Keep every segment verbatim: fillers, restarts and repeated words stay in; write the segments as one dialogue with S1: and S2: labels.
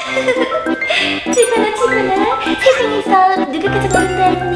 S1: 지근아 지근아 세상에서 누가 가장 어른다니?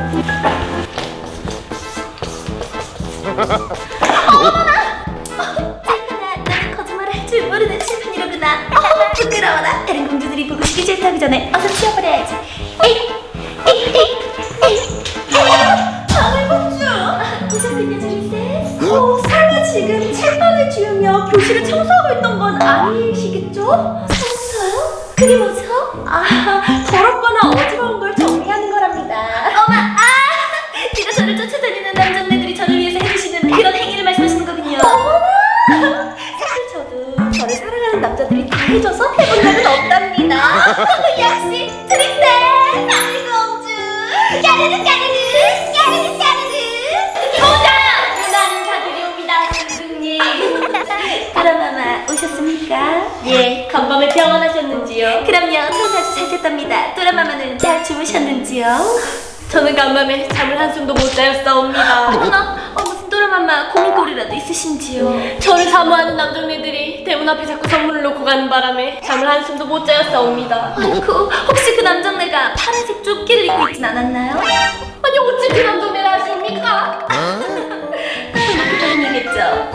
S1: 어머나! 지근아 너는 거짓말을 할 줄 모르는 칠판이로구나. 어, 부끄러워라. 다른 공주들이 보고 시기 질투하기 전에 어서 치워버려야지. 에이 에이 에이 에이 방울공주! 오셨군요 조리세. 어, 설마 지금 칠판을 지우며 교실을 청소하고 있던 건 아니시겠죠? 청소요? 그게 뭐죠? 아, 더럽거나 어지러운 걸 정리하는 거랍니다. 어마, 아! 제가 저를 쫓아다니는 남정네들이 저를 위해서 해주시는 그런 행위를 말씀하시는 거군요. 어머나! 사실 저도 저를 사랑하는 남자들이 다 해줘서 해본 적은 없답니다. 역시 트릭스! 방울공주! 까르르 까르르! 까르르 까르르! 보자! 나는 다들이 옵니다, 선생님. 도라마마 오셨습니까? 예, 건방을 병원하셨는지요? 그럼요, 저는 아주 잘 됐답니다. 도라마마는 잘 주무셨는지요?
S2: 저는 간밤에 잠을 한숨도 못 자였사옵니다.
S1: 어머나, 어, 무슨 도라마마 고민거리라도 있으신지요?
S2: 저를 사모하는 남정네들이 대문 앞에 자꾸 선물을 놓고 가는 바람에 잠을 한숨도 못 자였사옵니다.
S1: 아이고, 혹시 그 남정네가 파란색 조끼를 입고 있진 않았나요?
S2: 아니 어찌 그 남정네를 아십니까?
S1: 그런 얘기겠죠?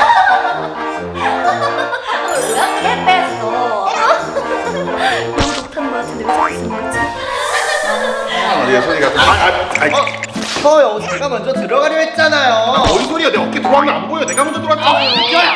S1: 이렇게 뺐어. 너무 독한 것 같은데 왜 자꾸 쓰는 거지?
S3: 예, 소리가 또. 아, 아, 아,
S4: 어, 저요. 제가 먼저 들어가려 했잖아요.
S3: 뭔 소리야? 내 어깨 들어가면 안 보여. 내가 먼저 들어왔잖아요.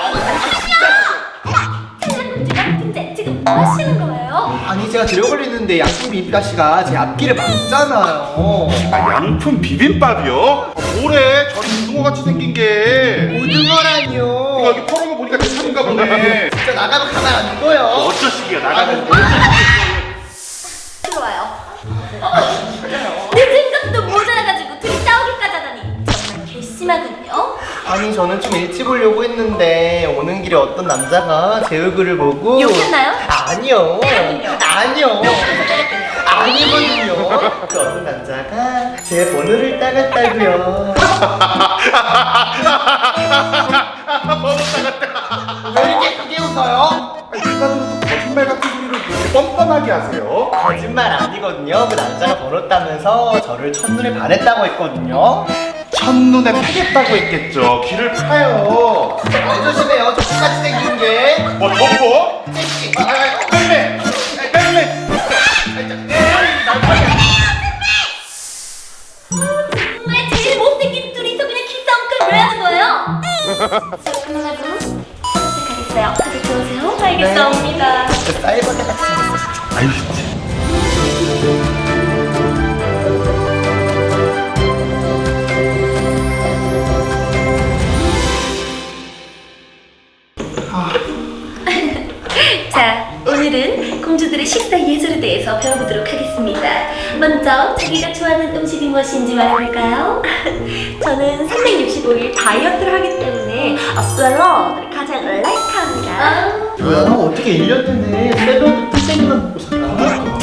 S1: 찰랑공주가 근데 지금 뭐 하시는 거예요?
S4: 아니 제가 들어걸리는데 양푼 비비다씨가 제 앞길을 막잖아요.
S3: 아, 양푼 비빔밥이요? 아, 뭐래? 저 고등어같이 생긴 게.
S4: 고등어라니요.
S3: 내가 여기 퍼놓은 거 보니까 내 차인가 보네.
S4: 진짜 나가면 가만 안 둬요.
S3: 어쩌시기가 나가는데.
S1: 들어와요. 늦은 것도 모자라가지고 둘이 싸우기까지 하다니 정말 괘씸하군요.
S4: 아니 저는 좀 일찍 오려고 했는데 오는 길에 어떤 남자가 제 얼굴을 보고
S1: 욕했나요?
S4: 아니요.
S1: 때렸군요.
S4: 아니요.
S1: 욕하면서 때렸군요.
S4: 아니거든요. 그 어떤 남자가 제 번호를 따갔다고요. 왜 이렇게 크게 웃어요?
S3: 아니, 누가 들어도 거짓말 같은 소리를 그렇게 뻔뻔하게 하세요?
S4: 거짓말 아니거든요. 그 남자가 번호 따면서 저를 첫눈에 반했다고 했거든요.
S3: 첫눈에 파겠다고 했겠죠. 귀를 파요.
S4: 안 조심해요. 저 똑같이 생긴 게.
S3: 뭐, 덮어?
S4: 섹시.
S3: 아, 아, 뺄래! 아, 뺄래!
S1: 정말 제일 못생긴 둘이서 그냥 키싸움까지 왜 하는 거예요? 저 그만하고 시작하겠어요. 다들 들어오세요.
S2: 알겠사옵니다.
S4: 진짜 사이버대 같이 생겼어. 진짜.
S3: 아유, 진짜.
S1: 자, 오늘은 공주들의 식사 예절에 대해서 배워보도록 하겠습니다. 먼저 자기가 좋아하는 음식이 무엇인지 말해볼까요? 저는 삼백육십오 일 다이어트를 하기 때문에 샐러드를 가장 라이크합니다.
S4: 뭐야? 어떻게 일 년 내내 샐러드 뚝배기만 먹고 살아?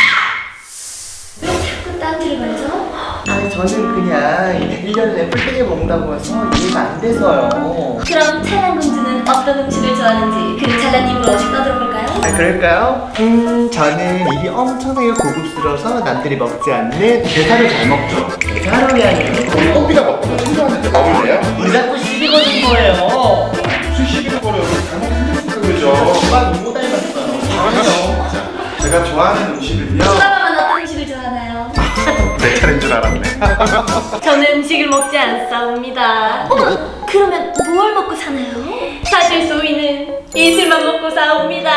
S1: 왜 자꾸 딴지를 말죠?
S4: 아니 저는 그냥 일 년 내내 뿔떼기 먹는다고 해서 이해가 안 돼서요.
S1: 그럼 찰랑 공주는 어떤 음식을 좋아하는지 그 잘난 입으로 어디 떠들어볼까요?
S4: 아 그럴까요? 음 저는 입이 엄청나게 고급스러워서 남들이 먹지 않는 게살을 잘 먹죠. 게살이 아니에요.
S3: 꽃비가 먹고 친구한테 먹을래요?
S4: 왜 자꾸 시비 거는 거예요?
S3: 무슨 시기를 걸어요? 잘못 생겼으니까 그러죠.
S4: 정말 너무 닮았어요.
S3: 아니요. 자, 제가 좋아하는 음식은요.
S1: 도라마만 어떤 음식을 좋아하나요?
S3: 내 차례인 줄 알았네.
S2: 저는 음식을 먹지 않사옵니다.
S1: 어머, 그러면 뭘 먹고 사나요?
S2: 사실 소희는 이슬만 먹고 사옵니다.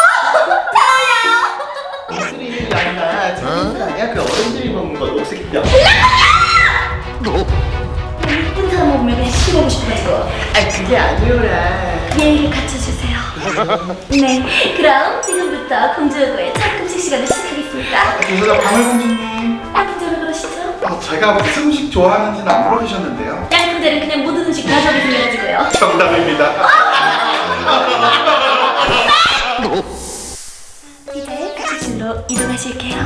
S4: 이슬이 있는 게 아니라 저기 아니야? 그 어른들이 먹는 거 녹색이요.
S1: 예쁜 사람 먹으면 그냥 씹어보고 싶어가지고
S4: 아 그게 아니오라.
S1: 예의를 갖춰주세요. 네, 그럼 지금부터 공주여고의 첫 금식 시간을 시작하겠습니다.
S3: 그래서 방울공주님.
S1: 양푼절을 그러시죠?
S3: 아, 제가 무슨 음식 좋아하는지는 안 물어보셨는데요.
S1: 양푼절은 그냥 모든 음식 다 저기 생겨가지고요.
S3: 정답입니다.
S1: 이제 가시실로 이동하실게요.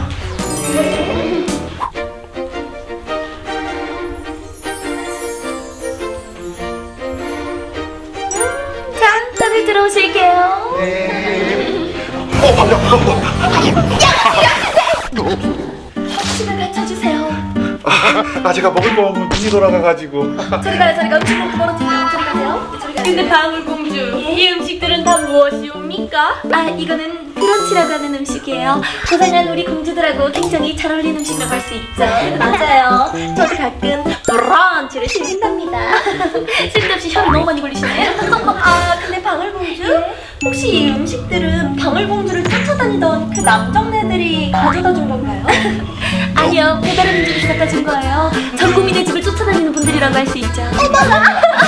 S1: 자, 다들 들어오실게요.
S4: 네.
S3: 어,
S1: 집에 갖춰주세요.
S3: 아 제가 먹을 거 없으면 눈이 돌아가가지고.
S1: 저리 가요, 저리 가요. 음식 먹고 멀어지세요. 저리 가세요. 저리 가세요.
S2: 근데 방울공주, 이 음식들은 다 무엇이옵니까?
S1: 아, 이거는 브런치라고 하는 음식이에요. 고생한 우리 공주들하고 굉장히 잘 어울리는 음식이라고 할 수 있죠. 맞아요. 저도 가끔 브런치를 즐긴답니다. 쓸데없이 혀를 너무 많이 굴리시네요. 아, 근데 방울공주? 혹시 이 음식들은 방울공주를 쫓아다니던 그 남정네들이 가져다 준 건가요? 아니요, 배달의 민족에서 갖다 준 거예요. 전 국민의 집을 쫓아다니는 분들이라고 할 수 있죠. 어머나!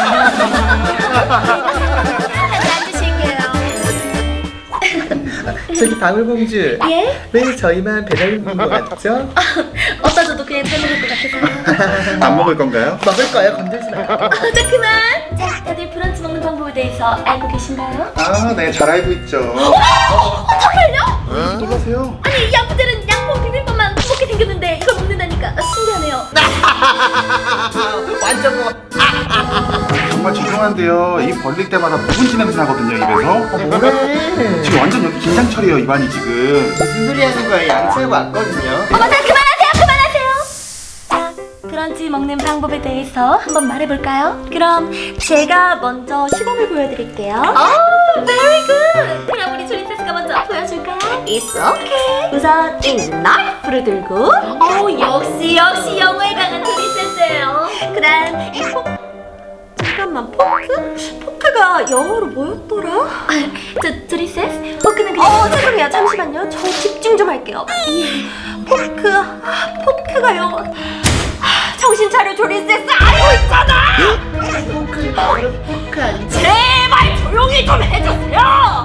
S1: 앉으실게요.
S4: 저기 방울공주.
S1: 예?
S4: 왜 저희만 배달 먹는 거 같죠?
S1: 어디다 줘도 그냥 잘 먹을 것 같아서요.
S3: 안 먹을 건가요?
S4: 먹을 거예요. 건들지 마요.
S1: 아, 자, 그만! 자, 다들 브런치 먹는 방법에 대해서 알고 계신가요?
S3: 아, 네, 잘 알고 있죠.
S1: 정말요?
S3: 왜 놀라세요?
S1: 아니, 이 양푸들은 양포 비빔밥만 먹게 생겼는데 이걸 먹는다니까 아, 신기하네요.
S4: 완전 뭐.
S3: 정말 죄송한데요. 입 벌릴 때마다 묵은지 냄새 나거든요, 입에서.
S4: 뭐래?
S3: 지금 완전 여기 긴장철이에요, 입안이 지금.
S4: 무슨 소리 하는 거예요? 양치하고 왔거든요.
S1: 어머, 자, 그만하세요, 그만하세요. 자, 브런치 먹는 방법에 대해서 한번 말해볼까요? 그럼 제가 먼저 시범을 보여드릴게요. 오, very good. 그럼 우리 조리세스가 먼저 보여줄까요? It's okay. 우선 이 나이프를 들고, 오, 역시 역시 영어에 강한 조리세스예요. 그다음 이 포. 잠깐만, 포크? 포크가 영어로 뭐였더라? 아, 저, 조리세스? 포크는 그냥... 어, 죄송해요. 잠시만요. 저 집중 좀 할게요. 예. 포크... 아, 포크가 영어... 아, 정신 차려, 조리세스! 알고 있잖아!
S4: 포크 바로 포크 아니지?
S1: 제발 조용히 좀 해주세요!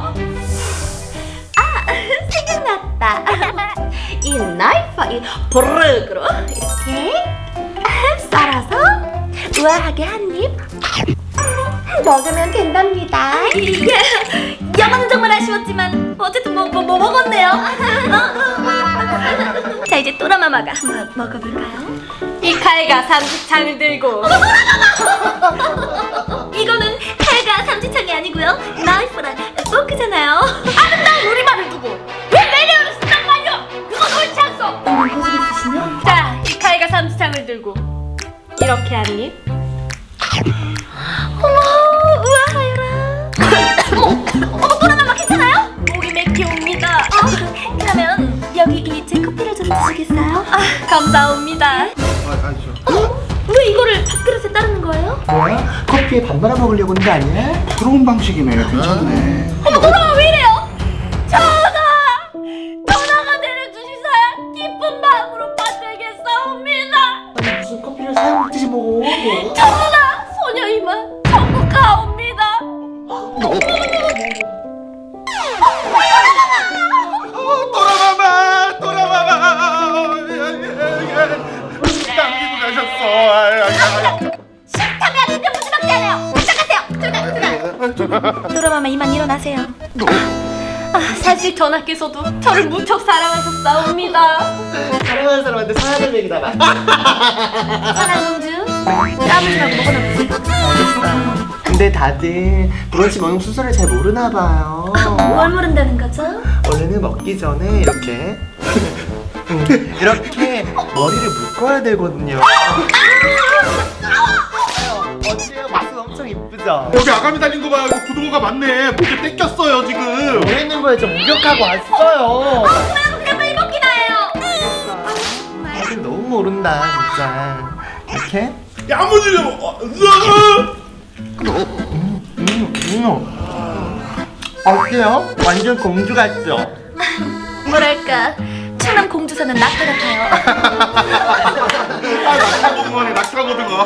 S1: 아, 생각났다. 이 나이프, 이 보르그로 이렇게 썰어서 우아하게 한 입 먹으면 된답니다. 이게 영어는 정말 아쉬웠지만 어쨌든 뭐, 뭐, 뭐 먹었네요. 자, 이제 또라마마가 한번 먹어볼까요?
S2: 이 칼과 삼식창을 들고
S1: 이거는 칼과 삼지창이 아니고요, 나이프랑 포크잖아요. 아름다운 우리말을 두고 왜 매력을 쓴단 말이야? 그건 옳지 않소. 어머, 고집 있으시네.
S2: 자, 이 칼과 삼식창을 들고 이렇게 한 입.
S1: 어머, 우아하여라. 어머, 어머, 또라마마 괜찮아요?
S2: 목이 맥히옵니다.
S1: 어, 그러면 여기 이 제 커피를 좀 드시겠어요?
S2: 아, 감사합니다.
S3: 아, 아니죠.
S1: 왜 이거를 밥그릇에 따르는 거예요?
S4: 뭐야? 커피에 밥 말아 먹으려고 하는 거 아니야?
S3: 부러운 방식이네. 괜찮네.
S1: 어머, 또라마마 왜 이래요? 전하! 전하가 내려주시사 기쁜 마음으로 받들겠사옵니다.
S4: 아니 무슨 커피를 사용 먹듯이 먹어?
S1: 전하! 소녀 이만 천국 가옵니다.
S3: 또라마마! 또라마마! 남기고 가셨어. 아이, 아이, 아이.
S1: 싫다면 근데 무슨 막지 않아요. 들어가세요. 들어가, 들어가. 또라마마 이만 일어나세요.
S2: 아, 사실 전하께서도 저를 무척 사랑하셨사옵니다.
S4: 사랑하는 사람한테 사랑을 얘기다 봐.
S1: 사랑공주, 까불지 말고 먹어나 보세요.
S4: 근데 다들 브런치 먹는 순서를 잘 모르나 봐요.
S1: 뭘 모른다는 거죠?
S4: 원래는 먹기 전에 이렇게 음, 이렇게 머리를 묶어야 되거든요. 어때요? 목소리 엄청 이쁘죠?
S3: 여기 아가미 달린 거 봐요. 이거 구두가 많네. 목에 뺏겼어요 지금.
S4: 뭐 있는 거예요? 저 목욕하고 왔어요.
S1: 그냥 빨리 먹기나 해요.
S4: 다들 너무 모른다 진짜. 이렇게
S3: 야무지게 먹어. 으아!
S4: 음, 음. 어때요? 완전 공주 같죠?
S1: 뭐랄까, 충남 공주 사는 낙타 같아요.
S3: 아, 낙타 공무원에 낙타 고등어.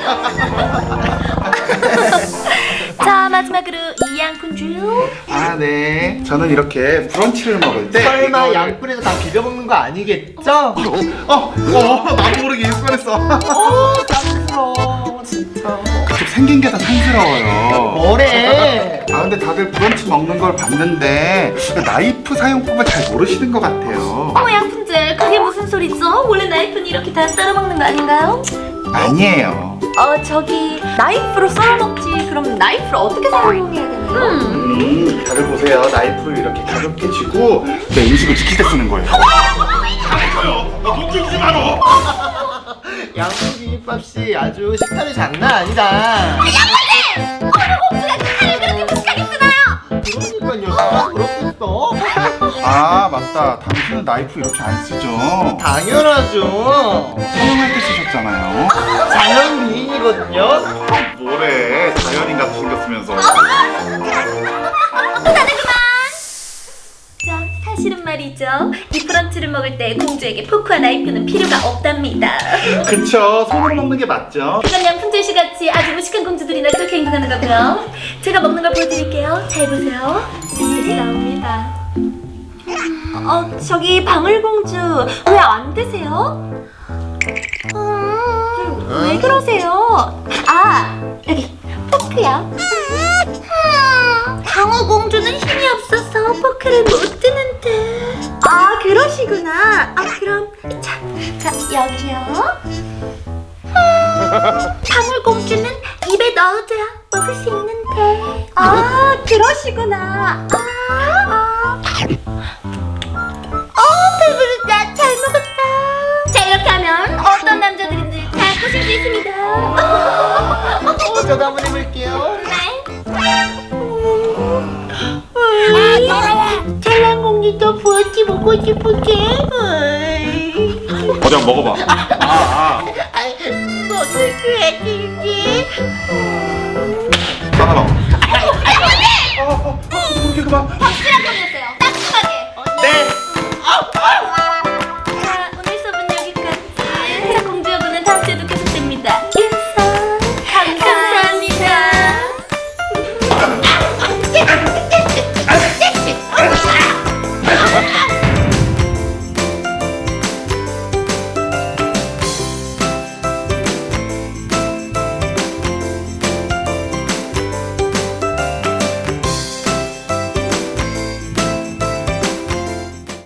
S1: 자, 마지막으로 이양군주.
S3: 아, 네. 저는 이렇게 브런치를 먹을 때
S4: 설마
S3: 이거를-
S4: 양푼에서 다 비벼 먹는 거 아니겠죠?
S3: 어, 어, 나도 모르게 일관했어.
S4: 오, 짱스러워 진짜.
S3: 좀 생긴 게 더 촌스러워요.
S4: 뭐래?
S3: 아, 근데 다들 브런치 먹는 걸 봤는데 나이프 사용법을 잘 모르시는 것 같아요.
S1: 어머, 양푼들, 그게 무슨 소리죠? 원래 나이프는 이렇게 다 썰어 먹는 거 아닌가요?
S3: 아니에요.
S1: 어 저기 나이프로 썰어 먹지. 그럼 나이프를 어떻게 사용해야 되나요?
S3: 음, 다들 보세요. 나이프를 이렇게 가볍게 쥐고 내 음식을 지킬 때 쓰는 거예요. 잘했어요. 나 눈치주지 마라.
S4: 양푼 비빔밥 씨 아주 식탐이 장난 아니다.
S1: 공주가 칼을 그렇게 무식하게 쓰나요?
S4: 그러니까요. 누가 그렇겠어?
S3: 아 맞다. 당신은 나이프 이렇게 안 쓰죠?
S4: 당연하죠.
S3: 사용할 때 쓰셨잖아요.
S4: 자연 미인이거든요.
S3: 뭐래? 자연인 같이 생겼으면서.
S1: 나는 그만. 자, 사실은 말이죠. 이 브런치를 먹을 때 공주에게 포크와 나이프는 필요가 없답니다.
S3: 그쵸. 손으로 먹는 게 맞죠?
S1: 그건 양푼절 씨 같이 아주 무식한 공주들이나 그렇게 행동하는 거고요. 제가 먹는 걸 보여드릴게요. 잘 보세요. 네, 나옵니다. 어, 저기 방울공주 왜 안 드세요? 음, 왜 그러세요? 아, 여기 포크요. 방울공주는 힘이 없어서 포크를 못 드는데. 아, 그러시구나. 아, 그럼 자, 자 여기요. 방울공주는 입에 넣어줘야 먹을 수 있는데. 아, 그러시구나. 아, 아. 어, 배부르다. 잘 먹었다. 자, 이렇게 하면 어떤 남자들인지 잘 보실 수 있습니다.
S4: 어, 저도 한번 해볼게요.
S1: 아, 잘난 공주도 부어지 먹고 싶을게.
S3: 어디 한번 먹어봐. 아, 아.
S1: 먹을 거야, 진지.
S3: 나가라. 아, 아, 아, 그렇게 그만.
S1: 확실한